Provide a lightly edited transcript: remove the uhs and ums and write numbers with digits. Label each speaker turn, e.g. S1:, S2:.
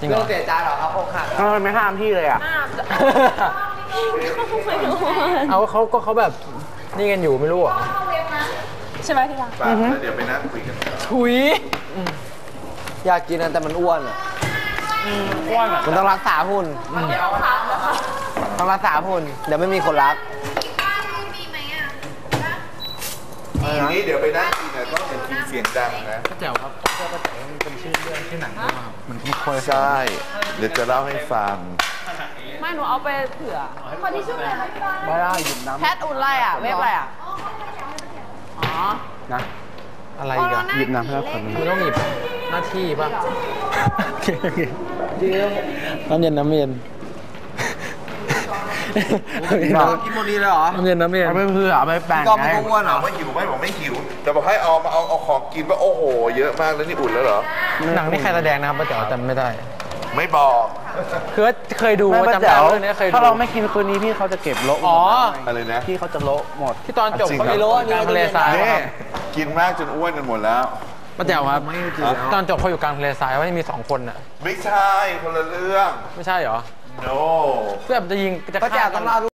S1: จริงเหรอเสียใจเหรอครับอกหักทำไมไม่ห้ามพี่เลยอ่ะเขาแบบนี่กันอยู่ไม่รู้เหรอ
S2: ใช่ไหมพี่รัก
S3: เดี๋ยวไปนั่งคุยกัน
S2: ถุย
S1: อยากกินนะแต่มันอ้วนอ่ะมันต้องรักษาหุ่นต้องรักษาหุ่นเดี๋ยวไม่มีคนรัก
S3: ทีนี้เดี๋ยวไปนั่งกินนะต้องอย่ากินเสียงดังนะ
S1: ก็แจ๋วครับก็แจ๋วมันเป็นชื่อเรื่องชื่อหนังด้วยครับมันไม่ค่อย
S3: ใช่เดี๋ยวจะเล่าให้ฟัง
S2: ไม่หนูเอาไปเผื่อคนที่ชื่ออะไร
S1: ไม่ได้หยิบน้ำ
S2: แพทอุ่นไรอ่ะเว็บอะไรอ่ะอ๋อ
S1: นะอะไรอีกอะหยิบน้ำให้เราคนไม่ต้องหยิบหน้าที่ป่ะโอเคน้ำเย็นน้ำเย็นกินโมดีเลยเหรอน้ำเย็นเอาไปเพื่อเอาไปแบ่งไง
S3: อ้วนเหรอไม่หิวไม่บอกไม่หิวแต่บอกให้เอามาเอาของกินว่าโอ้โหเยอะมากแล้วนี่อุ่นแล้วเหรอ
S1: หนังนี่ใครแสดงนะครับป้าแจ๋วจำไม่ได้
S3: ไม่บอก
S1: คือเคยดูจำได้เรื่องนี้เคยดูถ้าเราไม่กินคืนนี้พี่เขาจะเก็บโละ
S3: อะไรนะ
S1: พี่เขาจะโละหมดที่ตอนจบเขาไม่โละนี่ทะเลทราย
S3: กินมากจนอ้วนกันหมดแล้ว
S1: ป้าแจ๋วครับตอนจบเขาอยู่กลางทะเลทรายว่ามี2 คนน่ะ
S3: ไม่ใช่คนละเรื่อง
S1: ไม่ใช่เหรอ
S3: no
S1: เพื่อจะยิงจะฆ่ากัน